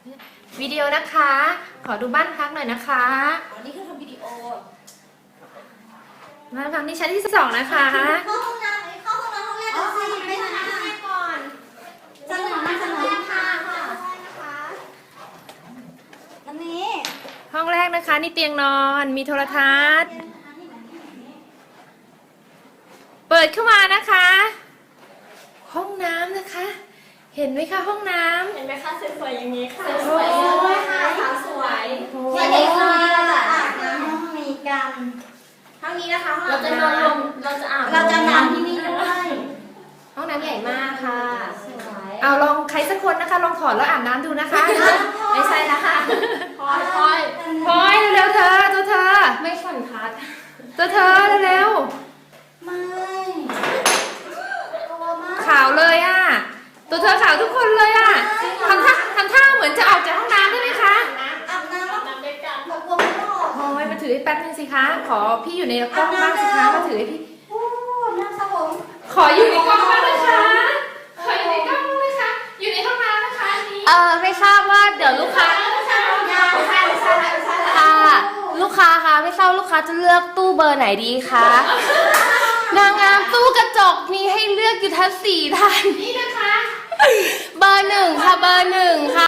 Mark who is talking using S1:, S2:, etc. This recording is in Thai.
S1: วิดีโอนะคะ ขอดูบ้านพักหน่อยนะคะ
S2: วันนี้คือทำวิดีโอ
S1: บ้านพักที่ชั้นที่2นะคะ
S2: เข้าห้องน้ำเข้าห้องน้ำห้องแรกก่อนสิไปทำน้ำก่อนเสนอค่ะนะคะอันนี้
S1: ห้องแรกนะคะนี่เตียงนอนมีโทรทัศน์เปิดเข้ามานะคะ ห้องน้ำนะคะ เห็นไหมคะห้องน้ำ
S2: เห็นไหมคะสวยๆอย่างนี้ค่ะ
S1: สวย
S2: ค่ะสาวสวยวันนี้ค่ะเราจะอาบน้ำห้องนี้กันห้องนี้นะคะเราจะนอนเราจะอาบเราจะน้ำที่นี่ด้วยห้องน้ำใหญ่มากค่ะสวย
S1: เอาลองใครสักคนนะคะลองถอดแล้วอาบน้ำดูนะคะ
S2: ไม่ใช่นะคะพลอย
S1: เร็วๆเธอตัวเธอ
S2: ไม่ฝันพัด
S1: ตัวเธอเร็ว
S2: ไม่
S1: ขาวเลยอ่ะตัวเธอขาวทุกคนเลยอ่ะทำท่าเหมือนจะออกจากห้องน้ำได้ไหมคะ
S2: อาบน้ำด้วยกันกลัวไม่ออก
S1: โอ้ยมาถือให้แป๊บนึงสิคะขอพี่อยู่ในกล้องบ้างสิคะมาถือให้พี่
S2: น้ำสระผม
S1: ขออยู่ในกล้องบ้างนะคะขออยู่ในกล้องบ้างนะคะอยู่ในห้องน้ำนะคะนี้
S3: ไม่ทราบว่าเดี๋ยวลูกค้าค่ะลูกค้าคะไม่ทราบลูกค้าจะเลือกตู้เบอร์ไหนดีคะนางงามตู้กระจกมีให้เลือกอยู่ทั้ง4 ท่าน
S1: นี่นะคะ
S3: เบอร์ 1ค่ะเบอร์ 1ค่ะ